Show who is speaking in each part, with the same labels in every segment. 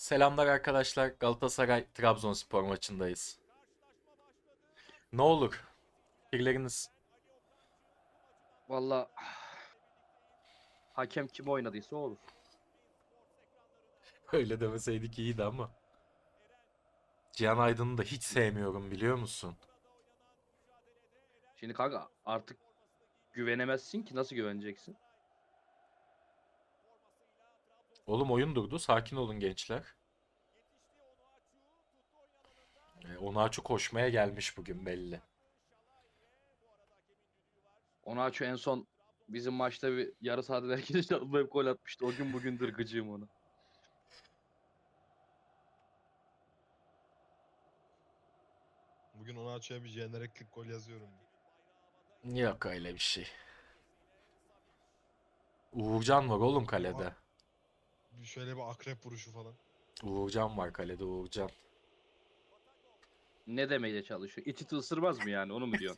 Speaker 1: Selamlar arkadaşlar. Galatasaray Trabzonspor maçındayız. Ne olur? Fikirleriniz
Speaker 2: Valla hakem kim oynadıysa o olur.
Speaker 1: öyle demeseydik iyiydi ama. Cihan Aydın'ı da hiç sevmiyorum biliyor musun?
Speaker 2: Şimdi kanka artık güvenemezsin ki, nasıl güveneceksin?
Speaker 1: Oğlum oyun durdu. Sakin olun gençler. Onaçu koşmaya gelmiş bugün belli.
Speaker 2: Onaçu en son bizim maçta bir yarı sahada herkes çalımlayıp gol atmıştı. O gün bugündür gıcığım ona.
Speaker 3: Bugün Onaçu'ya bir jenereklik gol yazıyorum.
Speaker 1: Yok öyle bir şey. Uğurcan var oğlum
Speaker 3: Oha.
Speaker 1: kalede.
Speaker 3: Şöyle bir akrep vuruşu falan.
Speaker 1: Uğurcan var kalede Uğurcan.
Speaker 2: Ne demeye çalışıyor? İti ısırmaz mı yani, onu mu diyorsun?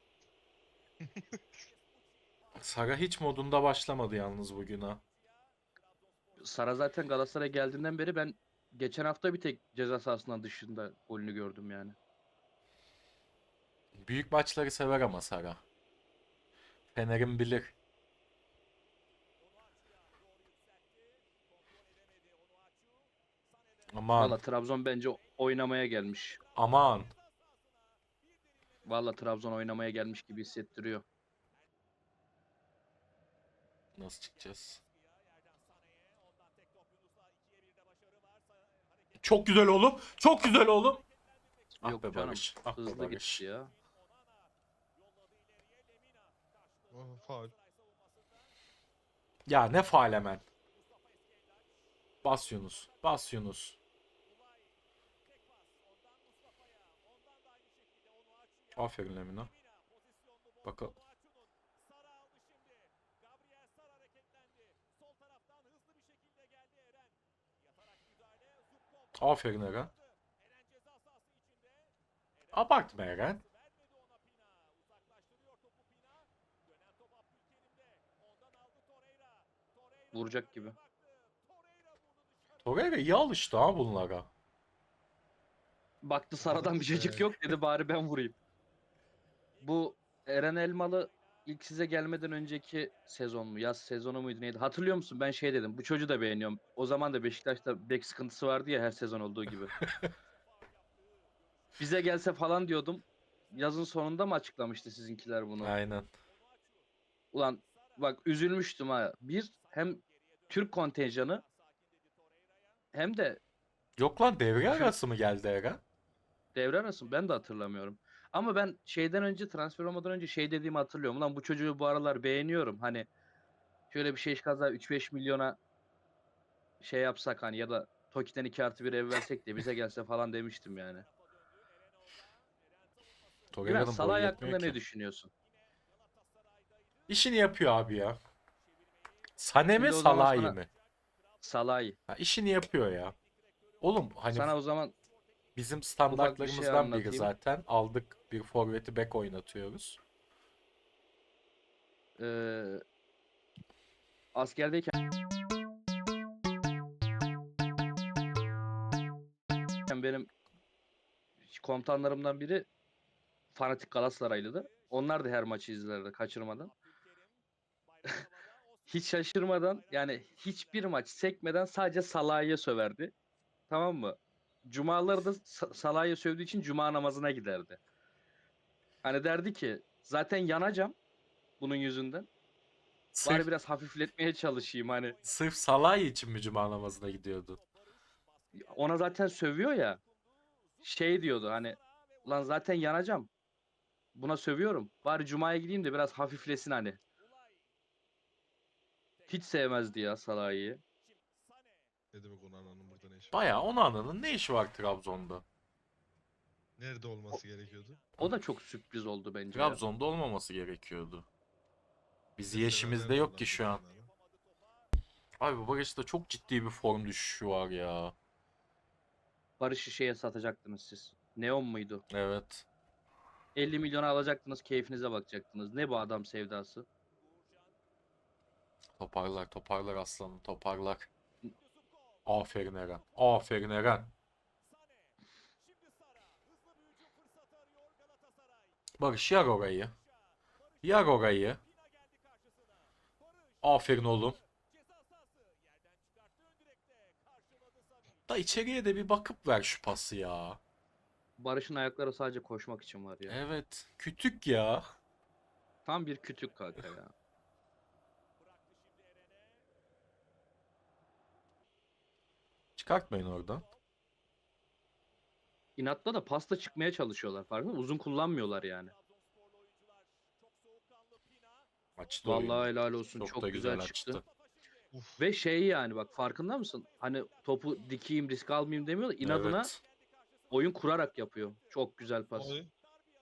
Speaker 1: Sara hiç modunda başlamadı yalnız bugün ha.
Speaker 2: Sara zaten Galatasaray'a geldiğinden beri ben geçen hafta bir tek ceza sahasından dışında golünü gördüm yani.
Speaker 1: Büyük maçları sever ama Sara. Fener'in bilir. Aman
Speaker 2: Valla Trabzon bence oynamaya gelmiş.
Speaker 1: aman.
Speaker 2: Valla Trabzon oynamaya gelmiş gibi hissettiriyor.
Speaker 1: Nasıl çıkacağız? Çok güzel oğlum. Çok güzel oğlum. Ah
Speaker 2: Yok
Speaker 1: be
Speaker 2: canım,
Speaker 1: Barış. Ah be
Speaker 2: hızlı
Speaker 1: Barış.
Speaker 2: gitti ya.
Speaker 3: Oh, faul.
Speaker 1: Ya ne faal hemen. Bas Yunus. Bas Yunus. Aferin Lemina. Bakalım. Aferin Eren. Abartma Eren.
Speaker 2: Vuracak gibi.
Speaker 1: Torreira iyi alıştı ha bunlara.
Speaker 2: Baktı
Speaker 3: Ah
Speaker 2: Sara'dan bir çocuk
Speaker 3: be.
Speaker 2: yok, dedi bari ben vurayım. Bu Eren Elmalı ilk size gelmeden önceki sezon mu? Yaz sezonu muydu neydi? Hatırlıyor musun? Ben şey dedim. Bu çocuğu da beğeniyorum. O zaman da Beşiktaş'ta bek sıkıntısı vardı ya, her sezon olduğu gibi. Bize gelse falan diyordum. Yazın sonunda mı açıklamıştı sizinkiler bunu?
Speaker 1: Aynen.
Speaker 2: Ulan bak, üzülmüştüm ha. Bir, hem Türk kontenjanı hem de
Speaker 1: Yok lan devre
Speaker 2: Türk
Speaker 1: arası mı geldi Eren?
Speaker 2: devre arası, ben de hatırlamıyorum. Ama ben şeyden önce, transfer olmadan önce şey dediğimi hatırlıyorum. Ulan bu çocuğu bu aralar beğeniyorum. Hani şöyle bir şey kaza 3-5 milyona şey yapsak hani, ya da Toki'den 2+1 ev versek de bize gelse falan demiştim yani. Güven,
Speaker 1: Torreira'nın boyu
Speaker 2: Salah'ı
Speaker 1: yetmiyor
Speaker 2: hakkında
Speaker 1: ki.
Speaker 2: ne düşünüyorsun?
Speaker 1: İşini yapıyor abi ya. Sane mi
Speaker 2: Şimdi o zaman
Speaker 1: Salah'ı
Speaker 2: sana
Speaker 1: mı?
Speaker 2: Salah'ı.
Speaker 1: Ha, işini yapıyor ya. Oğlum hani
Speaker 2: Sana o zaman
Speaker 1: bizim
Speaker 2: ufak bir şey
Speaker 1: standartlarımızdan biri
Speaker 2: anlatayım.
Speaker 1: zaten. Aldık bir forveti bek oynatıyoruz.
Speaker 2: Ee, askerdeyken benim komutanlarımdan biri fanatik Galatasaraylıdır. Onlar da her maçı izlerdi kaçırmadan. Hiç şaşırmadan, yani hiçbir maç sekmeden sadece Salah'ı söverdi. Tamam mı? Cumaları da Salah'ı sövdüğü için cuma namazına giderdi. Hani derdi ki zaten yanacağım bunun yüzünden. Bari
Speaker 1: Sırf
Speaker 2: biraz hafifletmeye çalışayım hani.
Speaker 1: sırf Salah için mi cuma namazına gidiyordu?
Speaker 2: Ona zaten sövüyor ya. Şey diyordu hani, lan zaten yanacağım. Buna sövüyorum. Bari cumaya gideyim de biraz hafiflesin hani. Hiç sevmezdi ya Salah'ı.
Speaker 3: Ne demek Onana'nın burada ne işi var?
Speaker 1: Baya Onana'nın ne işi var Trabzon'da?
Speaker 3: Nerede
Speaker 2: O,
Speaker 3: olması gerekiyordu?
Speaker 2: o da çok sürpriz oldu bence ya.
Speaker 1: Trabzon'da olmaması gerekiyordu. Biz
Speaker 3: Bir de
Speaker 1: yeşimizde
Speaker 3: severlerdi
Speaker 1: yok ki
Speaker 3: Onana'yı
Speaker 1: şu
Speaker 3: bir
Speaker 1: an.
Speaker 3: ara.
Speaker 1: Abi bu Barış'ta çok ciddi bir form düşüşü var ya.
Speaker 2: Barış'ı şeye satacaktınız siz. Neon muydu?
Speaker 1: Evet.
Speaker 2: 50 milyona alacaktınız, keyfinize bakacaktınız. Ne bu adam sevdası?
Speaker 1: Toparlar toparlar aslanım toparlar. Aferin Eren. Aferin Eren. Barış yer orayı. Yer orayı. Aferin oğlum. Da içeriye de bir bakıp ver şu pası ya.
Speaker 2: Barış'ın ayakları sadece koşmak için var ya.
Speaker 1: Evet. Kütük ya.
Speaker 2: Tam bir kütük kanka ya.
Speaker 1: Çıkartmayın oradan.
Speaker 2: İnatla da pasta çıkmaya çalışıyorlar, farkında mısın? Uzun kullanmıyorlar yani.
Speaker 1: Açtı
Speaker 2: Vallahi
Speaker 1: oyunu.
Speaker 2: helal olsun,
Speaker 1: Çok
Speaker 2: çok
Speaker 1: da
Speaker 2: güzel
Speaker 1: güzel
Speaker 2: çıktı.
Speaker 1: açtı.
Speaker 3: Uf.
Speaker 2: Ve şey, yani bak, farkında mısın? Hani topu dikeyim, risk almayayım demiyor da inadına
Speaker 1: Evet.
Speaker 2: oyun kurarak yapıyor. Çok güzel pas.
Speaker 3: Oy.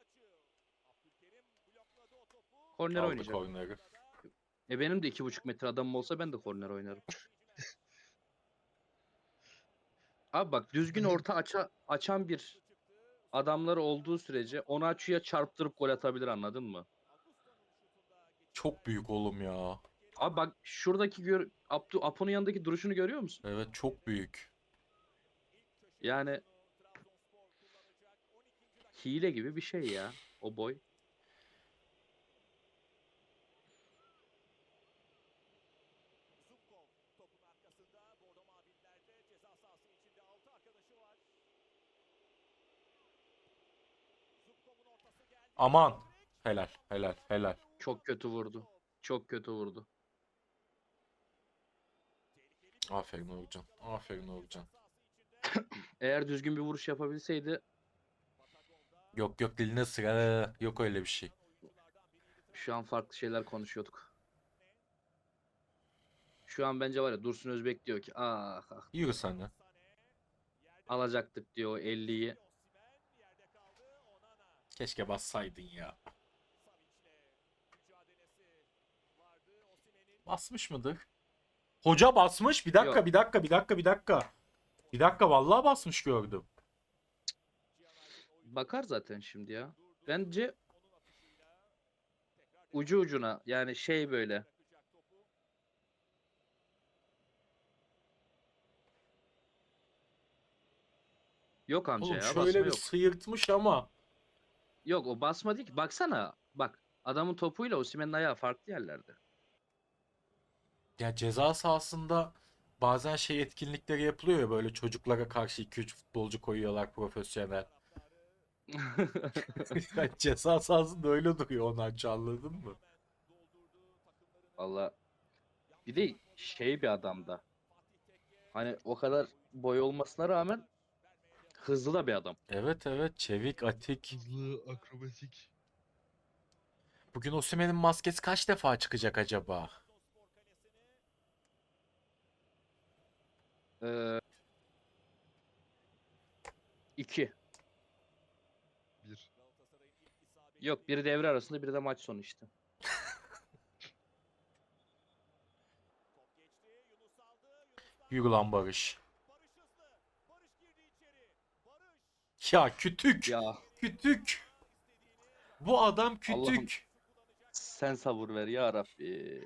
Speaker 2: Korner
Speaker 1: Aldı
Speaker 2: oynayacak.
Speaker 1: korneri.
Speaker 2: Benim de 2,5 metre adamım olsa ben de korner oynarım. Abi bak, düzgün orta açan bir adamları olduğu sürece onu açıya çarptırıp gol atabilir, anladın mı?
Speaker 1: Çok büyük oğlum ya.
Speaker 2: Abi bak, şuradaki Apo'nun yanındaki duruşunu görüyor musun?
Speaker 1: Evet çok büyük.
Speaker 2: Yani hile gibi bir şey ya o boy.
Speaker 1: Aman. Helal. Helal. Helal.
Speaker 2: Çok kötü vurdu. Çok kötü vurdu.
Speaker 1: Aferin Uğurcan. Aferin Uğurcan.
Speaker 2: Eğer düzgün bir vuruş yapabilseydi
Speaker 1: Yok yok diline sıra. Yok öyle bir şey.
Speaker 2: şu an farklı şeyler konuşuyorduk. Şu an bence var ya, Dursun Özbek diyor ki ah, ah
Speaker 1: Yürü sen de.
Speaker 2: alacaktık diyor o 50'yi.
Speaker 1: Keşke bassaydın ya. Basmış mıdır? Hoca basmış. Bir dakika,
Speaker 2: Yok,
Speaker 1: bir dakika, bir dakika, bir dakika. Bir dakika vallahi basmış gördüm.
Speaker 2: bakar zaten şimdi ya. Bence ucu ucuna, yani şey böyle. Yok amca
Speaker 1: Oğlum
Speaker 2: ya,
Speaker 1: şöyle
Speaker 2: basma
Speaker 1: bir
Speaker 2: yok.
Speaker 1: sıyırtmış ama.
Speaker 2: Yok, o basma değil ki. Baksana bak, adamın topuyla Osimhen'in ayağı farklı yerlerde.
Speaker 1: Ya ceza sahasında bazen şey etkinlikleri yapılıyor ya, böyle çocuklara karşı 2-3 futbolcu koyuyorlar profesyonel. Ya ceza sahasında öyle duruyor Onarçı, anladın mı?
Speaker 2: Valla bir de şey bir adamda. Hani o kadar boy olmasına rağmen hızlı da bir adam.
Speaker 1: Evet evet, çevik, atik.
Speaker 3: Hızlı, akrobatik.
Speaker 1: Bugün Osimhen'in maskesi kaç defa çıkacak acaba?
Speaker 2: Ee, 2.
Speaker 3: Bir.
Speaker 2: Yok, biri devre arasında, biri de maç sonu işte.
Speaker 1: Yürü lan Barış. Ya kütük.
Speaker 2: Ya
Speaker 1: Kütük. Bu adam
Speaker 2: Allah'ım,
Speaker 1: kütük.
Speaker 2: sen sabır ver ya Rabbi.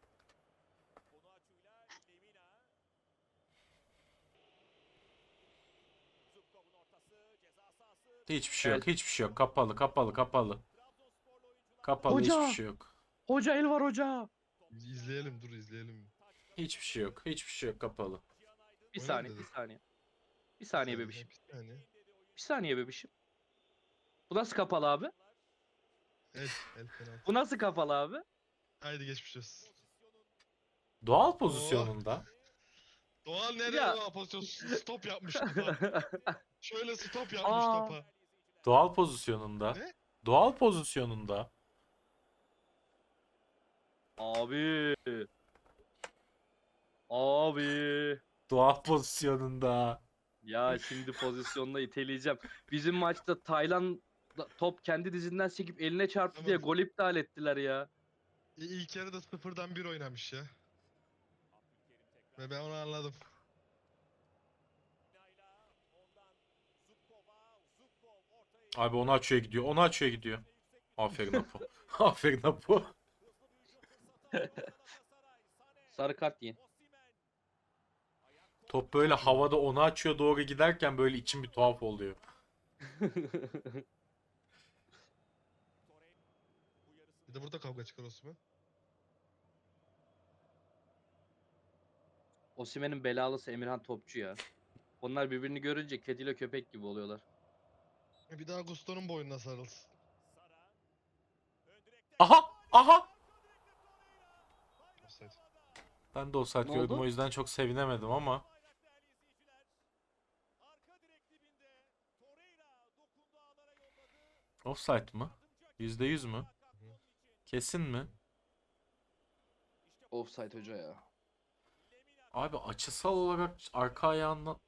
Speaker 1: Hiçbir şey
Speaker 2: El.
Speaker 1: yok. Hiçbir şey yok. Kapalı kapalı kapalı. Kapalı, hiçbir
Speaker 2: Hoca!
Speaker 1: şey yok.
Speaker 2: Hoca, el var hoca!
Speaker 3: İzleyelim, dur izleyelim.
Speaker 1: Hiçbir şey yok. Hiçbir şey yok, kapalı.
Speaker 2: Bir
Speaker 3: Oyna mı
Speaker 2: saniye, bir
Speaker 3: dedin?
Speaker 2: saniye. Bir
Speaker 3: Bir
Speaker 2: saniye
Speaker 3: saniye,
Speaker 2: bebişim.
Speaker 3: bir saniye.
Speaker 2: Bir saniye bebişim. Bu nasıl kapalı abi?
Speaker 3: El penaltı.
Speaker 2: Bu nasıl kapalı abi?
Speaker 3: Haydi geçmiş olsun.
Speaker 1: Doğal
Speaker 3: Oo.
Speaker 1: pozisyonunda.
Speaker 3: Doğan nereye
Speaker 2: Ya.
Speaker 3: o pozisyon? Stop yapmış topa. Şöyle stop yapmış
Speaker 2: Aa,
Speaker 3: topa.
Speaker 1: Doğal pozisyonunda.
Speaker 3: Ne?
Speaker 1: Doğal pozisyonunda.
Speaker 2: abi. Abi.
Speaker 1: Doğal pozisyonunda.
Speaker 2: Ya şimdi pozisyonla iteleyeceğim. Bizim maçta Taylan top kendi dizinden sekip eline çarptı diye
Speaker 3: Tamam.
Speaker 2: gol iptal ettiler ya.
Speaker 3: İlk yarıda 0'dan 1 oynamış ya. Ve ben onu anladım.
Speaker 1: Abi onu açıyor gidiyor. Onu açıyor gidiyor. Aferin Apo. Aferin Apo.
Speaker 2: Sarı kart yiyin.
Speaker 1: Top böyle havada onu açıyor doğru giderken böyle içim bir tuhaf oluyor.
Speaker 3: Bir de burada kavga çıkar Osman.
Speaker 2: Osimhen'in belalısı Emirhan Topçu ya. Onlar birbirini görünce kediyle köpek gibi oluyorlar.
Speaker 3: Bir daha Gusto'nun boynuna sarılsın.
Speaker 1: Aha! Aha!
Speaker 3: Offside.
Speaker 1: Ben de offside
Speaker 2: Ne
Speaker 1: gördüm
Speaker 2: oldu?
Speaker 1: o yüzden çok sevinemedim ama. Offside mı? %100 mü? Kesin mi?
Speaker 2: Offside hoca ya.
Speaker 1: Abi açısal olarak arka ayağından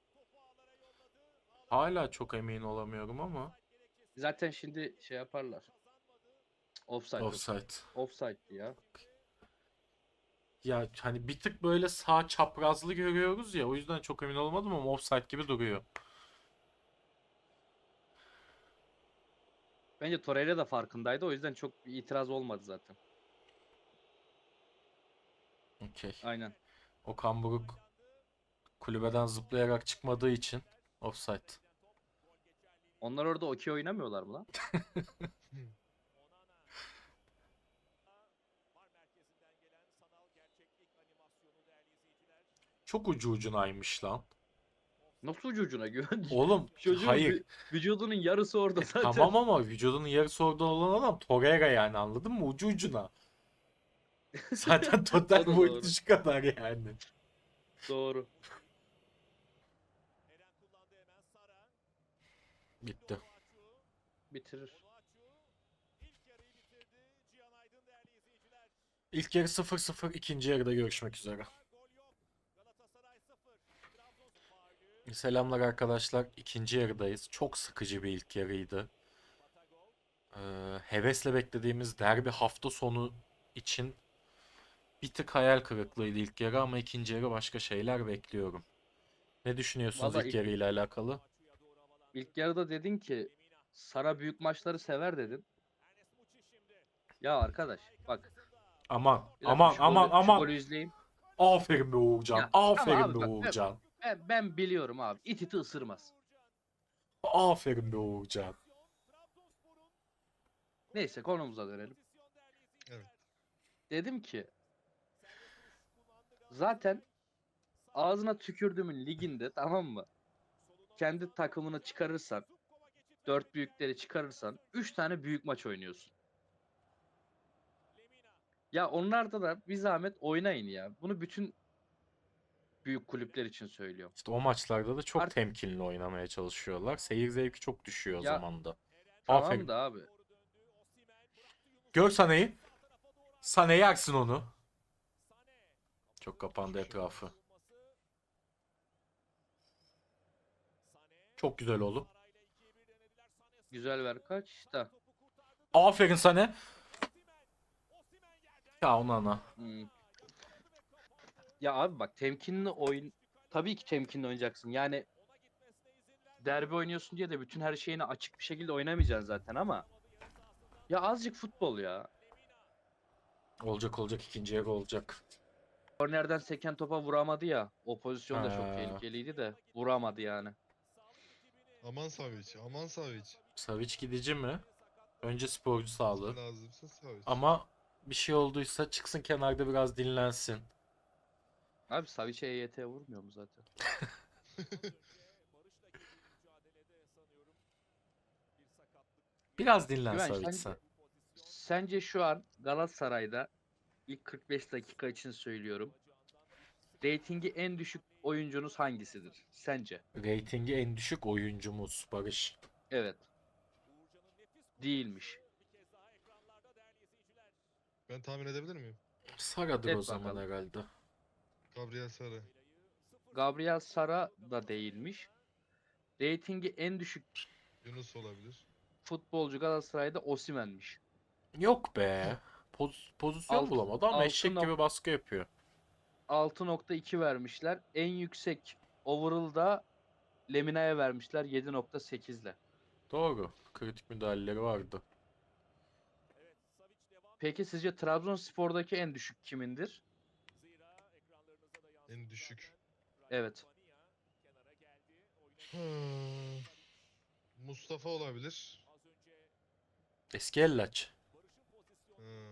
Speaker 1: hala çok emin olamıyorum ama.
Speaker 2: Zaten şimdi şey yaparlar. Offside.
Speaker 1: Offside.
Speaker 2: Offside'di ya.
Speaker 1: Ya hani bir tık böyle sağ çaprazlı görüyoruz ya o yüzden çok emin olamadım ama offside gibi duruyor.
Speaker 2: Bence Torreira da farkındaydı. O yüzden çok bir itiraz olmadı zaten.
Speaker 1: Okey.
Speaker 2: Aynen.
Speaker 1: Okan Buruk kulübeden zıplayarak çıkmadığı için offside.
Speaker 2: Onlar orada okey oynamıyorlar mı lan?
Speaker 1: Çok ucu ucunaymış lan.
Speaker 2: Nasıl ucu ucuna güven?
Speaker 1: Oğlum
Speaker 2: Çocuğun
Speaker 1: hayır.
Speaker 2: vücudunun yarısı orada zaten.
Speaker 1: Tamam ama vücudunun yarısı orada olan adam Torreira yani anladın mı? Ucu ucuna. Zaten total
Speaker 2: O da
Speaker 1: boyutu
Speaker 2: doğru.
Speaker 1: şu kadar yani.
Speaker 2: Doğru.
Speaker 1: Bitti.
Speaker 2: Bitirir.
Speaker 1: İlk yarı 0-0, ikinci yarıda görüşmek üzere. Selamlar arkadaşlar. İkinci yarıdayız. Çok sıkıcı bir ilk yarıydı. Hevesle beklediğimiz derbi hafta sonu için bir tık hayal kırıklığıydı ilk yarı ama ikinci yarı başka şeyler bekliyorum. Ne düşünüyorsunuz
Speaker 2: Vallahi
Speaker 1: ilk yarıyla alakalı?
Speaker 2: ilk yarıda dedin ki Sara büyük maçları sever dedin. Ya arkadaş bak
Speaker 1: Aman,
Speaker 2: bir dakika
Speaker 1: aman, aman,
Speaker 2: şu
Speaker 1: aman.
Speaker 2: golü izleyeyim.
Speaker 1: Aferin be Uğurcan.
Speaker 2: Ya ama
Speaker 1: Aferin be
Speaker 2: abi bak
Speaker 1: Uğurcan.
Speaker 2: ben biliyorum abi. İt iti ısırmaz.
Speaker 1: Aferin be Uğurcan.
Speaker 2: Neyse konumuza dönelim.
Speaker 3: Evet.
Speaker 2: Dedim ki zaten ağzına tükürdüğümün liginde tamam mı? Kendi takımını çıkarırsan, dört büyükleri çıkarırsan 3 tane büyük maç oynuyorsun. Ya onlarda da bir zahmet oynayın ya. Bunu bütün büyük kulüpler için söylüyorum.
Speaker 1: İşte o maçlarda da çok
Speaker 2: Art
Speaker 1: temkinli oynamaya çalışıyorlar. Seyir zevki çok düşüyor o
Speaker 2: ya
Speaker 1: zaman da.
Speaker 2: tamam
Speaker 1: Aferin.
Speaker 2: da abi.
Speaker 1: Gör Sané'yi. Sané yersin onu. Çok kapandı etrafı. Çok güzel oğlum.
Speaker 2: Güzel ver kaç da.
Speaker 1: Aferin Sané. Ya ona ana.
Speaker 2: Hmm. Ya abi bak temkinli oyun tabii ki temkinli oynayacaksın. Yani derbi oynuyorsun diye de bütün her şeyini açık bir şekilde oynamayacaksın zaten ama ya azıcık futbol ya.
Speaker 1: Olacak olacak ikinci yarı olacak.
Speaker 2: Kornerden seken topa vuramadı ya. O pozisyon da çok
Speaker 1: Ha,
Speaker 2: tehlikeliydi de vuramadı yani.
Speaker 3: Aman Savic. Aman Savic.
Speaker 1: Savic gidici mi? Önce sporcu sağlığı.
Speaker 3: Lazımsa Savic.
Speaker 1: Ama bir şey olduysa çıksın kenarda biraz dinlensin.
Speaker 2: Abi Savic'e EYT vurmuyor mu zaten?
Speaker 1: Biraz dinlen
Speaker 2: Güven
Speaker 1: Savic sen.
Speaker 2: sence şu an Galatasaray'da ilk 45 dakika için söylüyorum. Ratingi en düşük oyuncunuz hangisidir? Sence?
Speaker 1: Ratingi en düşük oyuncumuz Barış.
Speaker 2: Evet. Değilmiş.
Speaker 3: Ben tahmin edebilir miyim?
Speaker 1: Sara'dır
Speaker 2: Et
Speaker 1: o zaman
Speaker 2: bakalım.
Speaker 1: herhalde.
Speaker 3: Gabriel Sara.
Speaker 2: Gabriel Sara da değilmiş. Ratingi en düşük
Speaker 3: Yunus olabilir.
Speaker 2: futbolcu Galatasaray'da Osimhen'miş.
Speaker 1: Yok be. Pozisyon
Speaker 2: Alt,
Speaker 1: bulamadı ama eşek gibi baskı yapıyor.
Speaker 2: 6.2 vermişler. En yüksek overall'da Lemina'ya vermişler 7.8 ile.
Speaker 1: Doğru. Kritik müdahaleleri vardı.
Speaker 2: Peki sizce Trabzonspor'daki en düşük kimindir?
Speaker 3: En düşük.
Speaker 2: Evet.
Speaker 3: Mustafa olabilir.
Speaker 1: Eski Ellaç.
Speaker 3: Hı.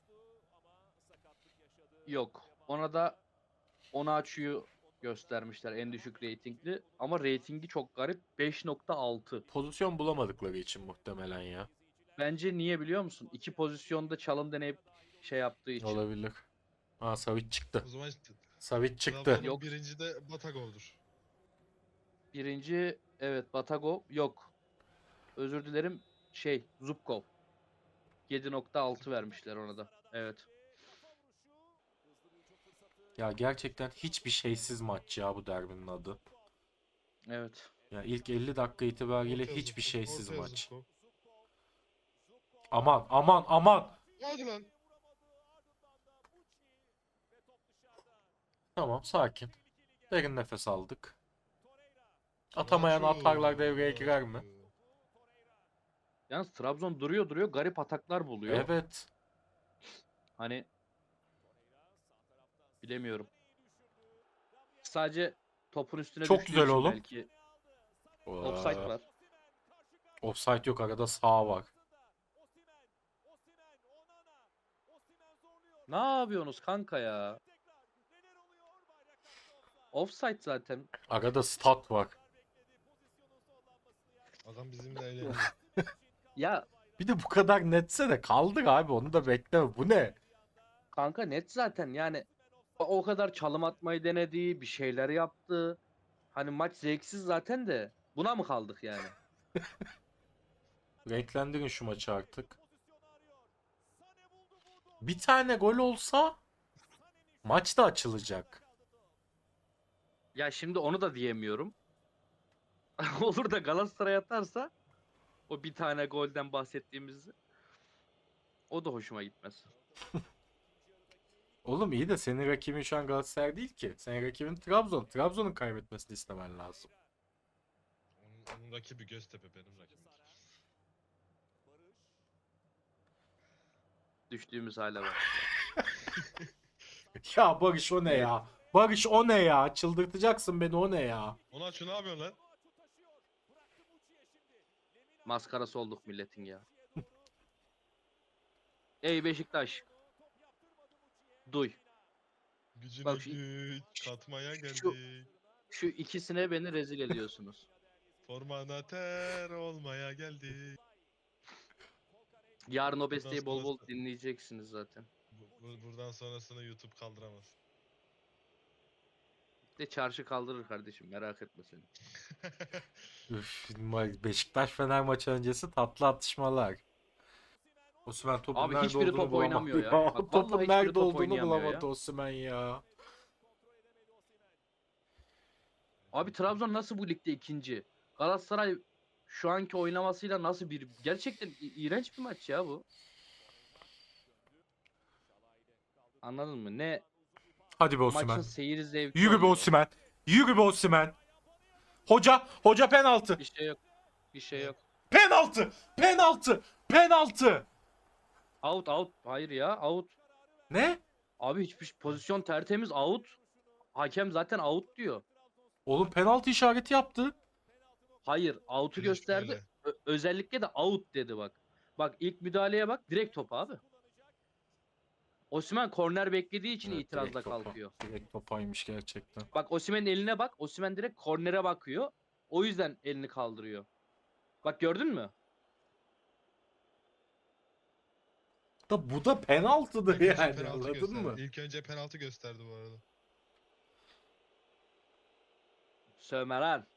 Speaker 2: Yok. Ona da Onaçu'yu göstermişler en düşük reytingli. Ama reytingi çok garip. 5.6.
Speaker 1: Pozisyon bulamadıkları için muhtemelen ya.
Speaker 2: Bence niye biliyor musun? İki pozisyonda çalım deneyip şey yaptığı için.
Speaker 1: Olabilir. Aa, Savic çıktı.
Speaker 3: O zaman işte
Speaker 1: Savic çıktı.
Speaker 3: Trabzon'un
Speaker 2: Yok.
Speaker 3: birinci de Batagov'dur.
Speaker 2: Birinci evet Batagov. Yok. Özür dilerim. Zubkov. 7.6 vermişler ona da. Evet.
Speaker 1: Ya gerçekten hiçbir şeysiz maç ya bu derbinin adı.
Speaker 2: Evet.
Speaker 1: Ya ilk 50 dakika itibariyle
Speaker 3: Ortaya
Speaker 1: hiçbir
Speaker 3: Zubkov,
Speaker 1: şeysiz
Speaker 3: ortaya
Speaker 1: maç.
Speaker 3: Zubkov.
Speaker 1: Aman aman aman.
Speaker 3: Hadi lan.
Speaker 1: Tamam, sakin. Derin nefes aldık. Atamayan
Speaker 3: Onaçu,
Speaker 1: atarlar devreye girer mi?
Speaker 3: Onaçu.
Speaker 2: Yalnız Trabzon duruyor garip ataklar buluyor.
Speaker 1: Evet.
Speaker 2: Hani bilemiyorum. Sadece topun üstüne
Speaker 1: Çok
Speaker 2: düştüğü
Speaker 1: güzel
Speaker 2: için
Speaker 1: oğlum.
Speaker 2: belki offside
Speaker 1: Aa,
Speaker 2: var.
Speaker 1: offside yok, arada sağ var.
Speaker 2: Ne yapıyorsunuz kanka ya? Offside zaten.
Speaker 1: Arada stat var.
Speaker 3: Adam bizimle eğleniyor.
Speaker 2: Ya
Speaker 1: Bir de bu kadar netse de kaldık abi, onu da bekleme. Bu ne?
Speaker 2: kanka net zaten yani o kadar çalım atmayı denedi, bir şeyler yaptı. Hani maç zevksiz zaten de buna mı kaldık yani?
Speaker 1: Renklendirin şu maçı artık. Bir tane gol olsa maç da açılacak.
Speaker 2: Ya şimdi onu da diyemiyorum. Olur da Galatasaray atarsa o bir tane golden bahsettiğimiz o da hoşuma gitmez.
Speaker 1: Oğlum iyi de senin rakibin şu an Galatasaray değil ki. Senin rakibin Trabzon. Trabzon'un kaybetmesini istemen lazım.
Speaker 3: Onun rakibi Göztepe, benim rakibim.
Speaker 2: Düştüğümüz hale bak.
Speaker 1: Ya Barış, o ne
Speaker 2: Evet.
Speaker 1: ya? Barış, o ne ya? Çıldırtacaksın beni, o ne ya?
Speaker 3: Onaçu ne yapıyorsun lan?
Speaker 2: Maskarası olduk milletin ya. Ey Beşiktaş. Duy.
Speaker 3: Gücüne
Speaker 2: Bak
Speaker 3: güç katmaya
Speaker 2: şu-
Speaker 3: geldik.
Speaker 2: Şu ikisine beni rezil ediyorsunuz.
Speaker 3: Formana ter olmaya geldik.
Speaker 2: Yarın o
Speaker 3: Bundan
Speaker 2: besteyi bol bol
Speaker 3: sonrası-
Speaker 2: dinleyeceksiniz zaten.
Speaker 3: Buradan sonrasını YouTube kaldıramaz.
Speaker 2: De çarşı kaldırır kardeşim merak etme sen.
Speaker 1: Üf, Beşiktaş Fener maçı öncesi tatlı atışmalar. Osimhen topun
Speaker 2: Abi
Speaker 1: nerede
Speaker 2: hiçbiri
Speaker 1: olduğunu
Speaker 2: top
Speaker 1: bulamadı
Speaker 2: oynamıyor ya.
Speaker 1: ya.
Speaker 2: Bak
Speaker 1: Topun
Speaker 2: vallahi hiçbiri
Speaker 1: nerede
Speaker 2: top
Speaker 1: olduğunu
Speaker 2: oynayamıyor
Speaker 1: bulamadı
Speaker 2: ya.
Speaker 1: Osimhen ya.
Speaker 2: Abi Trabzon nasıl bu ligde ikinci? Galatasaray şu anki oynamasıyla nasıl bir... Gerçekten iğrenç bir maç ya bu. Anladın mı? Ne
Speaker 1: Hadi be
Speaker 2: maçın
Speaker 1: Osimhen.
Speaker 2: seyir zevki
Speaker 1: Yürü be
Speaker 2: oluyor.
Speaker 1: Osimhen. Yürü be Osimhen. Hoca penaltı.
Speaker 2: Bir şey yok. Bir şey yok.
Speaker 1: Penaltı. Penaltı. Penaltı.
Speaker 2: Out out. Hayır ya out.
Speaker 1: Ne?
Speaker 2: Abi hiçbir pozisyon tertemiz out. Hakem zaten out diyor.
Speaker 1: Oğlum penaltı işareti yaptı.
Speaker 2: Hayır out'u
Speaker 3: Bilinç
Speaker 2: gösterdi.
Speaker 3: böyle.
Speaker 2: Özellikle de out dedi bak. Bak ilk müdahaleye bak direkt top abi. Osimhen korner beklediği için
Speaker 1: Evet,
Speaker 2: itirazla
Speaker 1: direkt topa.
Speaker 2: kalkıyor.
Speaker 1: Direkt topaymış gerçekten.
Speaker 2: Bak Osimhen'in eline bak. Osimhen direkt kornere bakıyor. O yüzden elini kaldırıyor. Bak gördün mü?
Speaker 1: Da bu da penaltıdır
Speaker 3: İlk önce
Speaker 1: yani,
Speaker 3: penaltı
Speaker 1: anladın
Speaker 3: gösterdi.
Speaker 1: mı?
Speaker 3: İlk önce penaltı gösterdi bu arada.
Speaker 2: Sövme lan.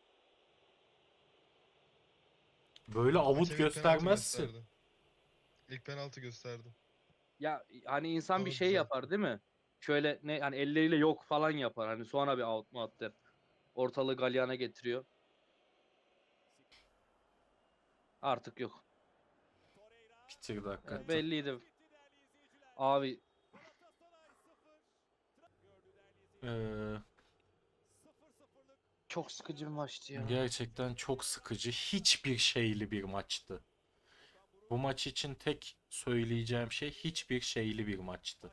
Speaker 1: Böyle avut
Speaker 3: Hakem ilk penaltı
Speaker 1: göstermezsin.
Speaker 3: gösterdi. İlk penaltı gösterdi.
Speaker 2: Ya hani insan bir
Speaker 3: Sonra
Speaker 2: şey
Speaker 3: düzeltti.
Speaker 2: yapar değil mi? Şöyle ne hani elleriyle yok falan yapar. Hani sonra bir out mu at der. Ortalığı galyana getiriyor. Artık yok.
Speaker 1: Bitirdi hakikaten.
Speaker 2: Belliydi. Abi
Speaker 1: Ee,
Speaker 2: çok sıkıcı bir maçtı ya.
Speaker 1: gerçekten çok sıkıcı, hiçbir şeyli bir maçtı. Bu maç için tek söyleyeceğim şey hiçbir şeyli bir maçtı.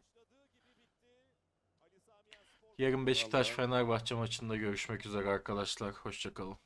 Speaker 1: Yarın Beşiktaş
Speaker 2: Vallahi.
Speaker 1: Fenerbahçe maçında görüşmek üzere arkadaşlar. Hoşça kalın.